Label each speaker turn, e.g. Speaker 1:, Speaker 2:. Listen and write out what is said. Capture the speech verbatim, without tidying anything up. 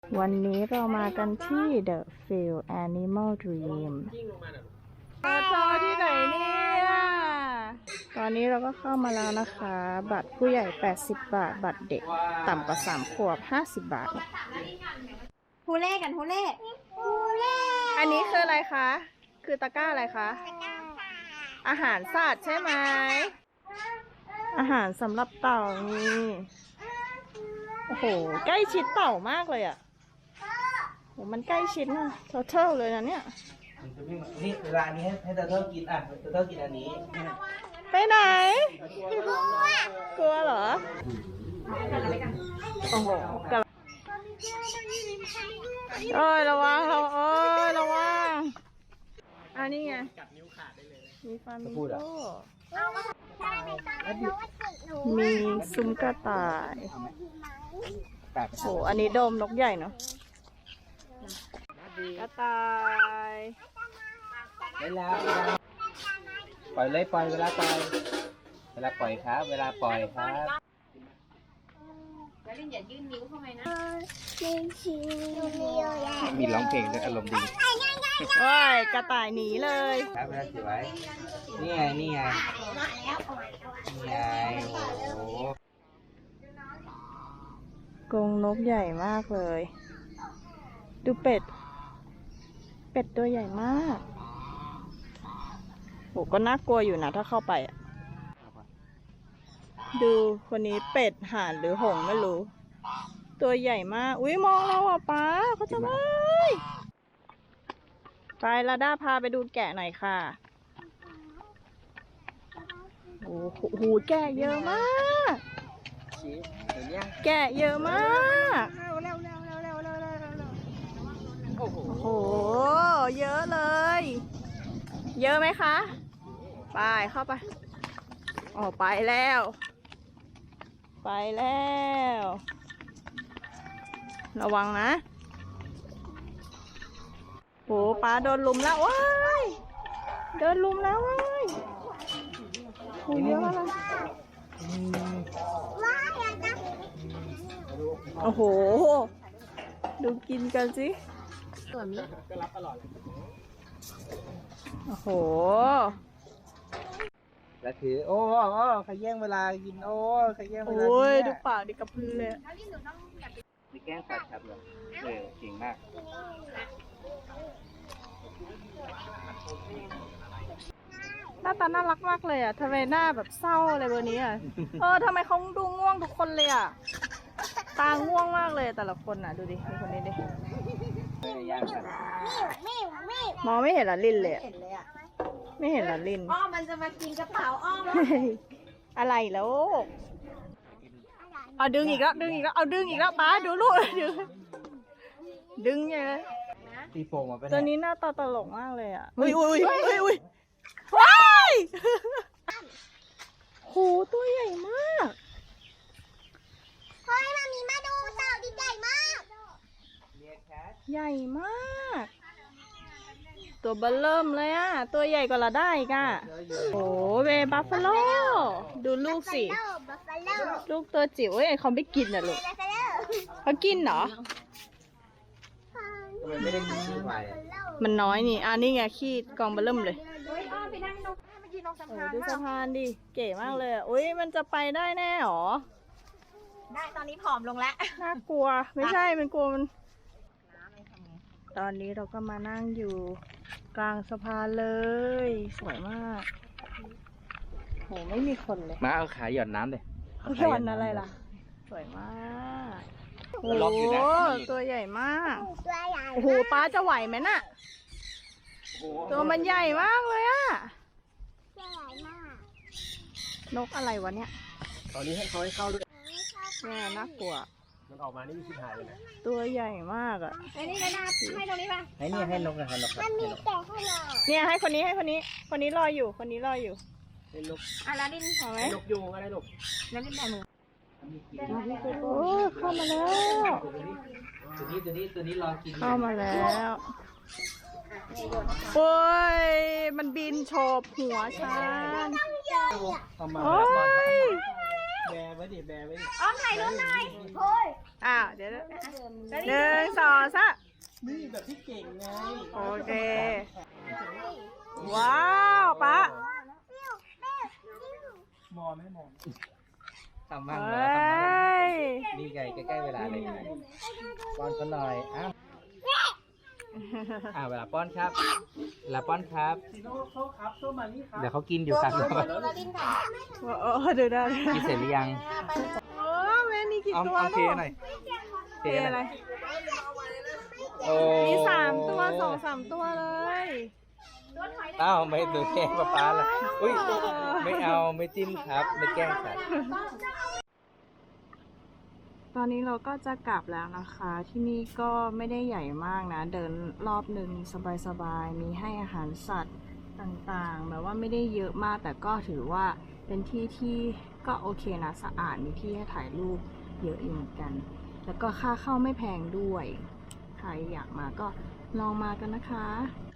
Speaker 1: วันนี้เรามากันที่ The Field Animal Dream มาจอที่ไหนเนี่ย ตอนนี้เราก็เข้ามาแล้วนะคะ บัตรผู้ใหญ่แปดสิบบาท บัตรเด็กต่ำกว่าสามขวบห้าสิบบาท
Speaker 2: ฮูเล่กันฮูเล่ฮูเล่
Speaker 1: อันนี้คืออะไรคะ คือตะกร้าอะไรคะ อาหารสัตว์ใช่ไหม อาหารสำหรับเต่านี่โอ้โห ใกล้ชิดเต่ามากเลยอ่ะโหมันใกล้ชิดนะทอเทิลเลยนะเนี่ย
Speaker 3: นี่เวลาอันนี้ให้ให้เตอร์เทิลกินอ่ะเตอร์เทิลกินอันนี้
Speaker 1: ไปไหน กลัวเหรอ โอ้โหกำลังเอ้ยระวังเราเอ้ยระวังอันนี้ไงมีฟามิงโก้มีซุ้มกระต่ายโหอันนี้โดมนกใหญ่เนาะกระต่าย
Speaker 3: เวลาปล่อยเลยปล่อยเวลาปล่อยเวลาปล่อยครับ เวลาปล่อยครับ
Speaker 2: แล้วลินอย่ายื่นนิ้วเข้าไปนะ
Speaker 3: มีร้องเพลงด้วยอารมณ์ดี
Speaker 1: โอ้ยกระต่ายหนีเลย
Speaker 3: ครับเวลาถือไว้นี่ไงนี่ไงนี่ไงโอ้โห
Speaker 1: กรงนกใหญ่มากเลย ดูเป็ด เป็ดตัวใหญ่มากโหก็น่ากลัวอยู่นะถ้าเข้าไปอ่ะ ดูคนนี้เป็ดห่านหรือหงส์ไม่รู้ ตัวใหญ่มาก อุ้ยมองเราอ่ะป้าเขาจะไปไปลาด้าพาไปดูแกะหน่อยค่ะ โอ้โหแกะเยอะมาก
Speaker 3: ชี้เห็นยัง
Speaker 1: แกะเยอะมาก
Speaker 3: เร็วเร็วเร็วเร็วเร็วเร็วเร็วเร็วโอ้โห
Speaker 1: โอ้โห เยอะเลย เยอะไหมคะ ไปเข้าไปอ๋อไปแล้ว ไปแล้ว ระวังนะโหปลาโดนลุมแล้วว้ายโดนลุมแล้วว้ายโหเยอะมากโอ้โห ดูกินกันสิโอ้โห
Speaker 3: แล้วถือโอ้โอ้ใครแย่งเวลากินโอ้ใครแย่งเวลา
Speaker 1: โอ้ย
Speaker 3: กิน
Speaker 1: ดู
Speaker 3: เนี่ย
Speaker 1: ปากดิกระพือเลย
Speaker 3: มีแกล้งสัตว์ครับเหรอเออเก่งมาก
Speaker 1: หน้าตาน่ารักมากเลยอ่ะทำไมหน้าแบบเศร้าอะไรเบอร์นี้อ่ะ เออทำไมเขาดูง่วงทุกคนเลยอ่ะ ตาง่วงมากเลยแต่ละคนอ่ะ ดูดิดูคนนี้ดิ
Speaker 3: ไม่ได้ย่างสัตว์
Speaker 1: มองไม่เห็นละลินเลยอะ
Speaker 2: เห็นเลยอ่ะ
Speaker 1: ไม่เห็นละลิน
Speaker 2: อ้อมมันจะมากินกระเป๋าอ้อม
Speaker 1: อะไรแล้วเอาดึงอีกแล้วดึงอีกแล้วเอาดึงอีกแล้วป้าดูลูกดึงดึงไง
Speaker 3: ตีโป่งมาเป็น
Speaker 1: ตัวนี้หน้าตาตลกมากเลยอ่ะอุ้ยอุ้ยอุ้ยอุ้ยอุ้ยว้ายโหตัวใหญ่มาก
Speaker 2: เฮ้ยมามีมาดูเต่าดิใหญ่มาก
Speaker 1: ใหญ่มาก ตัวเบลเริ่มเลยอ่ะตัวใหญ่กว่าเราได้อีกอ่ะโอ้เวบัฟฟาโลดูลูกสิ
Speaker 2: บัฟฟาโล
Speaker 1: ลูกตัวจิ๋วเอ้ยเขาไม่กินอ่ะลูก
Speaker 2: บัฟฟาโล
Speaker 1: เขากินเหรอ
Speaker 3: ทำไมไม่ได้กินขี้ควายอ่ะ
Speaker 1: มันน้อยนี่อ่านี่ไงขี้กองเบลเริ่มเลย
Speaker 2: เฮ้ยอ้อมไปนั่งตรงมายืนตรงสะ
Speaker 1: โอ้
Speaker 2: พาน
Speaker 1: ดูสะพานดิเก๋มากเลยอ่ะอุ้ยมันจะไปได้แน่หรอ
Speaker 2: ได้ตอนนี้ผอมลงแล้ว
Speaker 1: น่ากลัวไม่ใช่มันกลัวมันตอนนี้เราก็มานั่งอยู่กลางสะพานเลยสวยมากโหไม่มีคนเลย
Speaker 3: มาเอาขาหย่อนน้ำเลย
Speaker 1: เขาหย่อนอะไรล่ะ สวยมากโอ้
Speaker 3: ล็อกอยู่
Speaker 1: โห
Speaker 3: นะ
Speaker 1: ตัวใหญ่มาก
Speaker 2: ตัวใหญ่
Speaker 1: โอ้โหป้าจะไหวไหมน่ะ ตัวมันใหญ่มากเลยอะ
Speaker 2: ตัวใหญ่มาก
Speaker 1: นกอะไรวะเนี่ย
Speaker 3: ตอนนี้ให้เขาให้เข้าด้วย
Speaker 1: แม่น่ากลัว
Speaker 3: มันออกมานี่มีชิบหายเลยนะ
Speaker 1: ตัวใหญ่มากอะ
Speaker 2: ไอ้นี่ก็น่าให้ตรงนี้ป่ะ
Speaker 3: ให้นี่ให้นกนะให้นกครับ
Speaker 2: มันมีแต่ให้เรา
Speaker 1: เนี่ยให้คนนี้ให้คนนี้ คนนี้รออยู่ คนนี้รออยู่
Speaker 3: ให้นก
Speaker 2: อ่ะแล้วดิน
Speaker 1: เอาไหม
Speaker 3: ให้นกยูงอะไรลูก
Speaker 2: แล้วดินแบ่งมือ
Speaker 1: โอ้เข้ามาแล้ว
Speaker 3: ตัวนี้ตัวนี้ตัวนี้รอกิน
Speaker 1: เข้ามาแล้วโอ้ยมันบินโฉบหัวฉัน
Speaker 3: เข้ามา
Speaker 1: โอ้ย
Speaker 3: แบร์ไว้ดิแบร์ไว้ดิ
Speaker 2: อ้อมถ่ายรูปหน่อย
Speaker 1: อ้าวเดี๋ยวนะหนึ่งสองสาม
Speaker 3: นี่แบบที่เก่งไง
Speaker 1: โอเค ว้าวป๊า
Speaker 3: มองไม่มองทำ
Speaker 1: เฮ
Speaker 3: มั่งเหรอ้ ทำมั่ง
Speaker 1: ย
Speaker 3: นี่ไงใกล้ๆเวลาเลยป้อนเขาหน่อยอ้าวอ่าเวลาป้อนครับ เวลาป้อนครับ เดี๋ยวเขากินอยู่ครับ
Speaker 1: โอ้ดูได้
Speaker 3: กินเสร็จหรือยัง
Speaker 1: โอ้แม่นี่กี่
Speaker 3: เอา
Speaker 1: ตัว
Speaker 3: เอาเท
Speaker 1: ลูก
Speaker 3: หน่อย
Speaker 1: เทอะไร
Speaker 3: โอ้
Speaker 1: มีสามตัวสองสามตัวเลย
Speaker 3: อ้าวไม่ดูแกล้งป๊าป๊าล่ะอุ้ยไม่เอาไม่จิ้มครับ ไม่แกล้งครับ
Speaker 1: ตอนนี้เราก็จะกลับแล้วนะคะ ที่นี่ก็ไม่ได้ใหญ่มากนะ เดินรอบหนึ่งสบายๆ มีให้อาหารสัตว์ต่างๆ แบบว่าไม่ได้เยอะมาก แต่ก็ถือว่าเป็นที่ที่ก็โอเคนะ สะอาด มีที่ให้ถ่ายรูปเยอะอยู่เหมือนกัน แล้วก็ค่าเข้าไม่แพงด้วย ใครอยากมาก็ลองมากันนะคะ